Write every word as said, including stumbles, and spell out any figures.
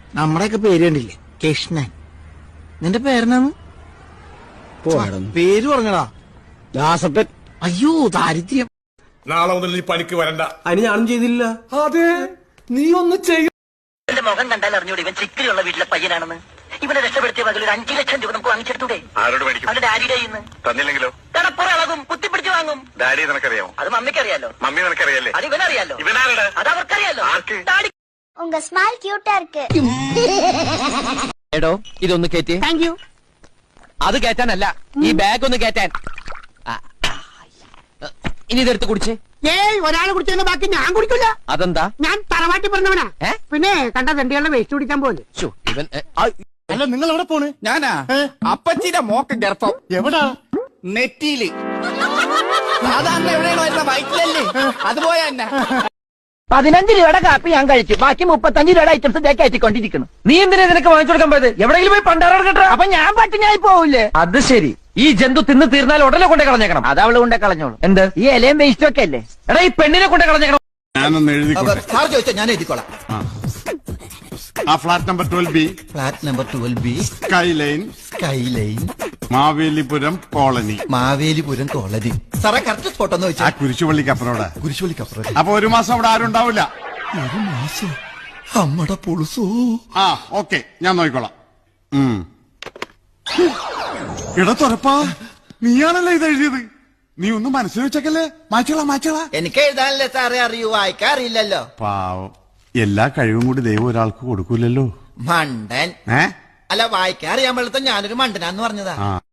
നമ്മുടെയൊക്കെ പേര് കണ്ടില്ലേ? കൃഷ്ണൻ. നിന്റെ പേരെന്നാന്ന്? പേര് പറഞ്ഞടാ. ദാസപ്പൻ. അയ്യോ ദാരിദ്ര്യം. നാളെ മുതൽ നീ പണിക്ക് വരണ്ട. അതിന് ഞാനും ചെയ്തില്ല. അതെ, നീ ഒന്ന് ചെയ്യും. എന്റെ മുഖം കണ്ടാൽ അറിഞ്ഞൂടെ ഇവൻ ചിക്കിലുള്ള വീട്ടിലെ പയ്യനാണെന്ന്. ഇവനെ രക്ഷപ്പെടുത്തിയ പകൽ ഒരു അഞ്ചു ലക്ഷം രൂപ നമുക്ക് വാങ്ങിച്ചെടുത്തൂടെ? ആരോട് മേടിക്കും? അവന്റെ ഡാഡിയുടെ ഇന്ന് തന്നില്ലെങ്കിലോ? കടപ്പുറം കുത്തിപ്പിടിച്ച് വാങ്ങും. ഡാഡി നിനക്കറിയാമോ? അത് മമ്മിക്കറിയാലോ. മമ്മി നിനക്കറിയാലേ? അത് ഇവനറിയാലോ. ഇവനാരുടെ? അത് അവർക്കറിയാലോ. ആർക്ക്? ഡാഡി. ഉങ്ക സ്മൈൽ ക്യൂട്ടാ ഇருக்கு. എടോ ഇതൊന്ന് കേറ്റി. Thank you. അത് കേറ്റാനല്ല, ഈ ബാഗ് ഒന്ന് കേറ്റാൻ. ഇനി ഇതെടുത്ത് കുടിച്ചേ. ഏയ് ഒരാളെ കുടിച്ചതിന്റെ ബാക്കി ഞാൻ കുടിക്കില്ല. അതെന്താ? ഞാൻ തറവാട്ടി പറഞ്ഞവനാ. ഏ? പിന്നെ കണ്ട തെണ്ടികളുടെ വേസ്റ്റ് കുടിക്കാൻ പോലെ. ശ്ശോ, ഇവൻ ഏ, ആ, അല്ല നിങ്ങൾ എവിടെ പോണ്? ഞാനാ അപ്പച്ചിന്റെ മോക്ക് ഗർഭം. എവിടാ? നെറ്റിയില്. സാധാരണ എവിടെയാണ് വരുന്ന വയറ്റിലല്ലേ? അതുപോലെ തന്നെ. പതിനഞ്ച് രൂപയുടെ കാപ്പി ഞാൻ കഴിച്ചു, ബാക്കി മുപ്പത്തഞ്ച് രൂപയുടെ ഐറ്റംസ് ഇതേ കയറ്റിക്കൊണ്ടിരിക്കുന്നു. നീ എന്തിനാ നിനക്ക് വാങ്ങിച്ചു കൊടുക്കാൻ പോയത്? എവിടെയെങ്കിലും പോയി പണ്ടാറ കേട്ടോ. അപ്പൊ ഞാൻ പട്ടിണിയായി പോവില്ലേ? അത് ശരി. ഈ ജന്തു തിന്ന് തീർന്നാൽ ഉടനെ കൊണ്ടേ കളഞ്ഞേക്കണം. അത് അവള് കൊണ്ടേ കളഞ്ഞോളൂ. എന്ത്? ഈ ഇലയും വേസ്റ്റും ഒക്കെ അല്ലേ? എടാ ഈ പെണ്ണിനെ കൊണ്ടേ കളഞ്ഞേക്കണം. ഞാനൊന്ന് എഴുതിക്കോട്ടെ. സാർ ചോദിച്ചാ ഞാൻ എഴുതിക്കോളാം. ആ flat number twelve B, flat number twelve B, sky line, sky line, Mavelipuram colony. Mavelipuram colony. സാറേ കറക്റ്റ് സ്പോട്ട് ഒന്ന് ആ വെച്ചാൽ. കുരിശുപള്ളിക്ക് അപ്പുറോടെ. കുരിശുപള്ളിക്കപ്പുറം. അപ്പൊ ഒരു മാസം അവിടെ ആരും ഉണ്ടാവില്ല. ഒരു മാസം അമ്മടെ പുളുസോ. ആ ഓക്കെ, ഞാൻ നോക്കിക്കോളാം. ഉം. എടാ തുറപ്പാ, നീയാണല്ലേ ഇത് എഴുതിയത്? നീ ഒന്നും മനസ്സിൽ വെച്ചേക്കല്ലേ? മാച്ചോളാ മാച്ചോളാ. എനിക്ക് എഴുതാനല്ലേ സാറേ അറിയൂ, വായിക്കാറില്ലല്ലോ. പാവം, എല്ലാ കഴിവും കൂടി ദൈവം ഒരാൾക്ക് കൊടുക്കൂലല്ലോ. മണ്ടൻ. ഏ അല്ല വായിക്കാൻ അറിയാൻ പാടില്ല, ഞാനൊരു മണ്ടനാന്ന് പറഞ്ഞതാ. ആ